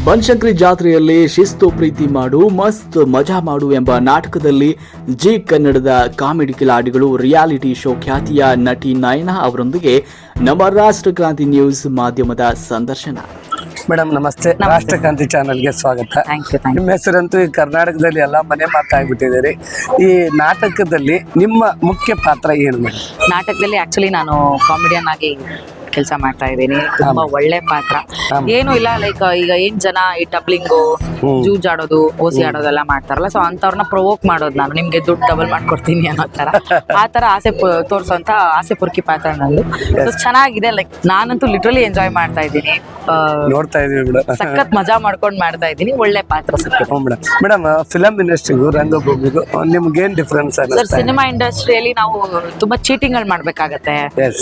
ಬನಶಂಕರಿ ಜಾತ್ರೆಯಲ್ಲಿ ಶಿಸ್ತು ಪ್ರೀತಿ ಮಾಡು ಮಸ್ತ್ ಮಜಾ ಮಾಡು ಎಂಬ ನಾಟಕದಲ್ಲಿ ಜಿ ಕನ್ನಡದ ಕಾಮಿಡಿ ಕಿಲಾಡಿಗಳು ರಿಯಾಲಿಟಿ ಶೋ ಖ್ಯಾತಿಯ ನಟಿ ನಯನಾ ಅವರೊಂದಿಗೆ ನಮ್ಮ ರಾಷ್ಟ್ರಕ್ರಾಂತಿ ನ್ಯೂಸ್ ಮಾಧ್ಯಮದ ಸಂದರ್ಶನ. ಮೇಡಮ್ ನಮಸ್ತೆ. ರಾಷ್ಟ್ರಕ್ರಾಂತಿ ಚಾನಲ್ಗೆ ಸ್ವಾಗತ. ನಿಮ್ಮ ಹೆಸರಂತೂ ಈ ಕರ್ನಾಟಕದಲ್ಲಿ ಎಲ್ಲ ಮನೆ ಮಾತಾಗ್ಬಿಟ್ಟಿದ್ದೀರಿ. ಈ ನಾಟಕದಲ್ಲಿ ನಿಮ್ಮ ಮುಖ್ಯ ಪಾತ್ರ ಏನು ಮೇಡಮ್? ನಾಟಕದಲ್ಲಿ ಆಕ್ಚುಲಿ ನಾನು ಕಾಮಿಡಿಯನ್ ಆಗಿ ಕೆಲಸ ಮಾಡ್ತಾ ಇದ್ದೀನಿ. ತುಂಬಾ ಒಳ್ಳೆ ಪಾತ್ರ. ಏನು ಇಲ್ಲ, ಲೈಕ್ ಈಗ ಏನ್ ಜನ ಈ ಡಬ್ಲಿಂಗು, ಜೂಜಾಡೋದು, ಓಸಿ ಆಡೋದೆಲ್ಲ ಮಾಡ್ತಾರಲ್ಲ, ಸೊ ಅಂತವ್ರನ್ನ ಪ್ರೊವೋಕ್ ಮಾಡೋದು ನಾನು, ನಿಮ್ಗೆ ದುಡ್ಡು ಡಬಲ್ ಮಾಡ್ಕೊಡ್ತೀನಿ ಅನ್ನೋ ತರ, ಆ ತರ ಆಸೆ ತೋರ್ಸೋಂತ ಆಸೆ ಪುರ್ಕಿ ಪಾತ್ರ ನಂದು. ಸೊ ಚೆನ್ನಾಗಿದೆ. ಲೈಕ್ ನಾನಂತೂ ಲಿಟ್ರಲಿ ಎಂಜಾಯ್ ಮಾಡ್ತಾ ಇದ್ದೀನಿ. ನೋಡ್ತಾ ಇದೀವಿ ಮೇಡಮ್, ಸಖತ್ ಮಜಾ ಮಾಡ್ಕೊಂಡು ಮಾಡ್ತಾ ಇದ್ದೀನಿ. ಒಳ್ಳೆ ಪಾತ್ರ ಸಿಕ್ಕಿದೆ ಮೇಡಮ್. ಫಿಲಂ ಇಂಡಸ್ಟ್ರಿಗೂ ರಂಗಭೂಮಿಗೂ ನಿಮ್ಗೆ ಏನ್ ಡಿಫ್ರೆನ್ಸ್? ಸರ್, ಸಿನಿಮಾ ಇಂಡಸ್ಟ್ರಿಯಲ್ಲಿ ನಾವು ತುಂಬಾ ಚೀಟಿಂಗ್ ಗಳು ಮಾಡ್ಬೇಕಾಗತ್ತೆ.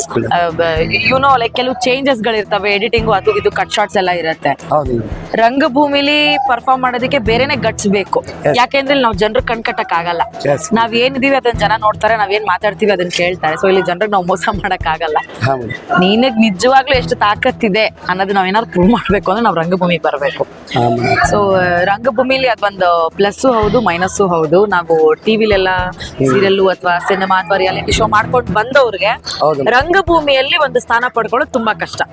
ಯುನೋ ಲೈಕ್ ಕೆಲವು ಚೇಂಜಸ್ ಗಳಿರ್ತವೆ, ಎಡಿಟಿಂಗು ಅದು ಇದು ಕಟ್ ಶಾರ್ಟ್ಸ್ ಎಲ್ಲ ಇರುತ್ತೆ. ರಂಗಭೂಮಿಲಿ ಪರ್ಫಾರ್ಮ್ ಮಾಡೋದಕ್ಕೆ ಬೇರೆನೆ ಗಟ್ಸ್ ಬೇಕು. ಯಾಕೆಂದ್ರೆ ನಾವು ಜನರು ಕಟ್ಕಟ್ಟಕ್ ಆಗಲ್ಲ. ನಾವ್ ಏನಿದೀವಿ ಅದನ್ನ ಜನ ನೋಡ್ತಾರೆ, ನಾವೇನ್ ಮಾತಾಡ್ತೀವಿ ಅದನ್ನ ಕೇಳ್ತಾರೆ. ಸೊ ಇಲ್ಲಿ ಜನರಿಗೆ ನಾವು ಮೋಸ ಮಾಡಕ್ ಆಗಲ್ಲ. ನೀನಗ್ ನಿಜವಾಗ್ಲೂ ಎಷ್ಟು ತಾಕತ್ತಿದೆ ಅನ್ನೋದು ನಾವ್ ಏನಾದ್ರು ಪ್ರೂವ್ ಮಾಡ್ಬೇಕು ಅಂದ್ರೆ ನಾವು ರಂಗಭೂಮಿಗೆ ಬರ್ಬೇಕು. ಸೊ ರಂಗಭೂಮಿಲಿ ಅದೊಂದು ಪ್ಲಸ್ ಹೌದು, ಮೈನಸ್ಸು ಹೌದು. ನಾವು ಟಿವಿಲೆಲ್ಲ ಸೀರಿಯಲ್ ಅಥವಾ ಸಿನಿಮಾ ಅಥವಾ ರಿಯಾಲಿಟಿ ಶೋ ಮಾಡ್ಕೊಂಡು ಬಂದವ್ರಿಗೆ ರಂಗಭೂಮಿಯಲ್ಲಿ ಒಂದು ಸ್ಥಾನ ಪಡ್ಕೊಳ್ಳೋದು ತುಂಬಾ ಕಷ್ಟ.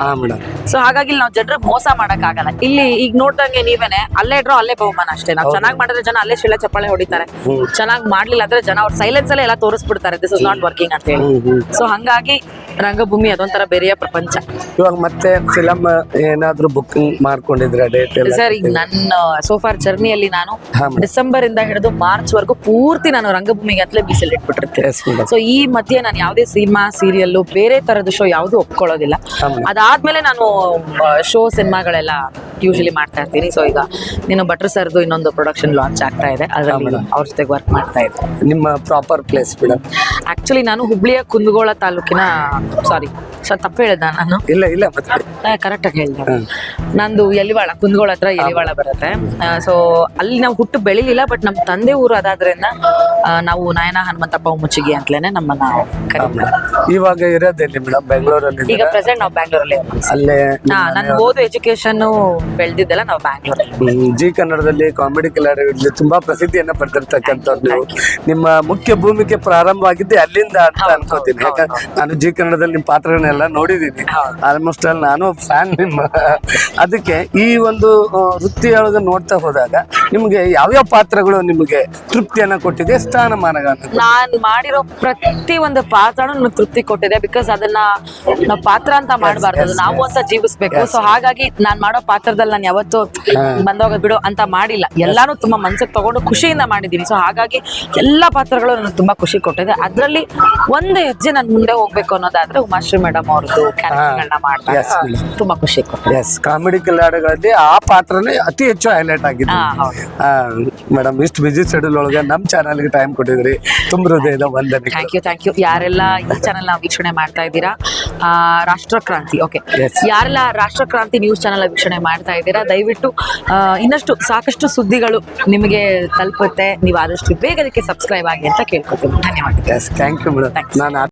ಸೊ ಹಾಗಾಗಿ ನಾವು ಜನರಿಗೆ ಮೋಸ ಮಾಡಕ್ ಆಗಲ್ಲ. ಇಲ್ಲಿ ಈಗ ನೋಡ್ದಂಗೆ ನೀವೇನೆ, ಅಲ್ಲೇ ಇಡ್ರೋ ಅಲ್ಲೇ ಬಹುಮಾನ ಅಷ್ಟೇ. ನಾವು ಚೆನ್ನಾಗಿ ಮಾಡಿದ್ರೆ ಜನ ಅಲ್ಲೇ ಶಿಲೆ ಚಪ್ಪಾಳೆ ಹೊಡಿತಾರೆ, ಚೆನ್ನಾಗಿ ಮಾಡ್ಲಿಲ್ಲ ಅಂದ್ರೆ ಜನ ಅವ್ರ ಸೈಲೆನ್ಸ್ ಅಲ್ಲೇ ಎಲ್ಲ ತೋರಿಸ್ಬಿಡ್ತಾರೆ, ದಿಸ್ ಇಸ್ ನಾಟ್ ವರ್ಕಿಂಗ್ ಅಂತ ಹೇಳಿ. ಸೊ ಹಂಗಾಗಿ ರಂಗಭೂಮಿ ಅದೊಂಥರ ಬೇರೆಯ ಪ್ರಪಂಚ. ಇವಾಗ ಮತ್ತೆ ಫಿಲಂ ಏನಾದ್ರು ಬುಕಿಂಗ್ ಮಾಡ್ಕೊಂಡಿದ್ರೆ ಡೇಟ್? ಸರ್, ಈಗ ನನ್ನ ಸೋಫಾರ್ ಜರ್ನಿಯಲ್ಲಿ ನಾನು ಡಿಸೆಂಬರ್ ಇಂದ ಹಿಡಿದು ಮಾರ್ಚ್ ವರೆಗೂ ಪೂರ್ತಿ ನಾನು ರಂಗಭೂಮಿಗೆ ಅಂತಲೇ ಮೀಸಲಿಟ್ಬಿಟ್ಟಿರ್ತೀನಿ. ಸೊ ಈ ಮಧ್ಯೆ ನಾನು ಯಾವುದೇ ಸಿನಿಮಾ, ಸೀರಿಯಲ್, ಬೇರೆ ತರದ ಶೋ ಯಾವ್ದು ಒಪ್ಕೊಳ್ಳೋದಿಲ್ಲ. ಅದಾದ್ಮೇಲೆ ನಾನು ಶೋ, ಸಿನಿಮಾಗಳೆಲ್ಲ ಯೂಶಲಿ ಮಾಡ್ತಾ ಇರ್ತೀನಿ. ಸೊ ಈಗ ನೀನು ಭಟ್ರು ಸರ್ದು ಇನ್ನೊಂದು ಪ್ರೊಡಕ್ಷನ್ ಲಾಂಚ್ ಆಗ್ತಾ ಇದೆ, ಅದ್ರಲ್ಲಿ ಅವ್ರ ಜೊತೆಗೆ ವರ್ಕ್ ಮಾಡ್ತಾ ಇದ್ದೆ. ನಿಮ್ಮ ಪ್ರಾಪರ್ ಪ್ಲೇಸ್ ಮೇಡಮ್? ಆಕ್ಚುಲಿ ನಾನು ಹುಬ್ಳಿಯ ಕುಂದಗೋಳ ತಾಲೂಕಿನ, ಸಾರಿ ತಪ್ಪು ಹೇಳಿದ ನಾನು? ಇಲ್ಲ ಕರೆಕ್ಟ್ ಆಗಿ ಹೇಳಿದೆ. ನಂದು ಎಲಿವಾಳ, ಕುಂದಗೋಳ ಹತ್ರ ಎಲಿವಾಳ ಬರುತ್ತೆ. ಸೊ ಅಲ್ಲಿ ನಾವು ಹುಟ್ಟು ಬೆಳಿಲಿಲ್ಲ, ಬಟ್ ನಮ್ಮ ತಂದೆ ಊರು ಅದಾದ್ರಿಂದ ನಾವು ನಯನಾ ಹನುಮಂತಪ್ಪ ಮುಚ್ಚಿಗೆ ಅಂತಲೇನೆ ನಮ್ಮನ್ನ ಕರೀತಾರೆ. ಇವಾಗ ಇರೋದೆಲ್ಲಿ ಮೇಡಮ್? ಬೆಂಗಳೂರಲ್ಲಿ? ಈಗ ಪ್ರೆಸೆಂಟ್ ನಾವು ಬ್ಯಾಂಗ್ಳೂರಲ್ಲಿ. ಅಲ್ಲೇ ನಾನು ಓದು ಎಜುಕೇಶನ್ ಬೆಳೆದಿದ್ದೆಲ್ಲ ನಾವು ಬ್ಯಾಂಗ್ಳೂರಲ್ಲಿ. ಜಿ ಕನ್ನಡದಲ್ಲಿ ಕಾಮಿಡಿ ಕಿಲಾಡಿಗಳಲ್ಲಿ ತುಂಬಾ ಪ್ರಸಿದ್ಧಿಯನ್ನ ಪಡೆದಿರ್ತಕ್ಕಂಥದ್ದು. ನಿಮ್ಮ ಮುಖ್ಯ ಭೂಮಿಕೆ ಪ್ರಾರಂಭವಾಗಿದ್ದೆ ಅಲ್ಲಿಂದ ಅಂತ ಅನ್ಕೋತೀನಿ. ಯಾಕಂದ್ರೆ ನಾನು ಜಿ ಕನ್ನಡದಲ್ಲಿ ನಿಮ್ಮ ಪಾತ್ರಗಳನ್ನೆಲ್ಲ ನೋಡಿದ್ದೀನಿ. ಆಲ್ಮೋಸ್ಟ್ ಅಲ್ಲಿ ನಾನು ಫ್ಯಾನ್ ನಿಮ್ಮ. ಅದಕ್ಕೆ ಈ ಒಂದು ವೃತ್ತಿಯೊಳಗೆ ನೋಡ್ತಾ ಹೋದಾಗ ನಿಮ್ಗೆ ಯಾವ್ಯಾವ ಪಾತ್ರಗಳು ನಿಮಗೆ ತೃಪ್ತಿಯನ್ನ ಕೊಟ್ಟಿದೆ, ಸ್ಥಾನಮಾನಗಳನ್ನ? ನಾನು ಮಾಡಿರೋ ಪ್ರತಿ ಒಂದು ಪಾತ್ರನೂ ನನಗೆ ತೃಪ್ತಿ ಕೊಟ್ಟಿದೆ. ಬಿಕಾಸ್ ಅದನ್ನ ನಾವು ಪಾತ್ರ ಅಂತ ಮಾಡಬಾರ್ದು, ನಾವು ಅಂತ ಜೀವಿಸ್ಬೇಕು. ಸೊ ಹಾಗಾಗಿ ನಾನ್ ಮಾಡೋ ಪಾತ್ರದಲ್ಲಿ ನಾನು ಯಾವತ್ತು ಬಂದೋಗ ಬಿಡು ಅಂತ ಮಾಡಿಲ್ಲ. ಎಲ್ಲಾನು ತುಂಬಾ ಮನ್ಸಿಗೆ ತಗೊಂಡು ಖುಷಿಯಿಂದ ಮಾಡಿದೀನಿ. ಸೊ ಹಾಗಾಗಿ ಎಲ್ಲಾ ಪಾತ್ರಗಳು ನನಗೆ ತುಂಬಾ ಖುಷಿ ಕೊಟ್ಟಿದೆ. ಅದ್ರಲ್ಲಿ ಒಂದು ಹೆಜ್ಜೆ ನಾನು ಮುಂದೆ ಹೋಗ್ಬೇಕು ಅನ್ನೋದಾದ್ರೆ ಉಮಾಶ್ರೀ ಮೇಡಮ್ ಅವ್ರದ್ದು ಕ್ಯಾರೆಕ್ಟರ್ಗಳನ್ನ ಮಾಡ್ತಾರೆ, ತುಂಬಾ ಖುಷಿ ಕೊಟ್ಟಿದೆ. ಕಾಮಿಡಿ ಕಿಲಾಡಿಗಳಲ್ಲಿ ಆ ಪಾತ್ರನೇ ಅತಿ ಹೆಚ್ಚು ಹೈಲೈಟ್ ಆಗಿದೆ ಮೇಡಮ್. ಇಷ್ಟು ಬಿಜಿ ಶೆಡ್ಯೂಲ್ ಒಳಗೆ ನಮ್ಮ ಚಾನಲ್ಗೆ ಟೈಮ್ ಕೊಟ್ಟಿದ್ರಿ, ತುಂಬ ಹೃದಯದ ವಂದನೆ. Thank you. ಯಾರೆಲ್ಲ ಈ ಚಾನಲ್ ವೀಕ್ಷಣೆ ಮಾಡ್ತಾ ಇದ್ದೀರಾ, ರಾಷ್ಟ್ರಕ್ರಾಂತಿ, ಓಕೆ, ಯಾರೆಲ್ಲ ರಾಷ್ಟ್ರಕ್ರಾಂತಿ ನ್ಯೂಸ್ ಚಾನಲ್ ವೀಕ್ಷಣೆ ಮಾಡ್ತಾ ಇದ್ದೀರಾ, ದಯವಿಟ್ಟು ಇನ್ನಷ್ಟು ಸಾಕಷ್ಟು ಸುದ್ದಿಗಳು ನಿಮಗೆ ತಲುಪುತ್ತೆ. ನೀವು ಆದಷ್ಟು ಬೇಗ ಅದಕ್ಕೆ ಸಬ್ಸ್ಕ್ರೈಬ್ ಆಗಿ ಅಂತ ಕೇಳ್ಕೊತೀನಿ. ಧನ್ಯವಾದ. Thank you madam. ನಾನು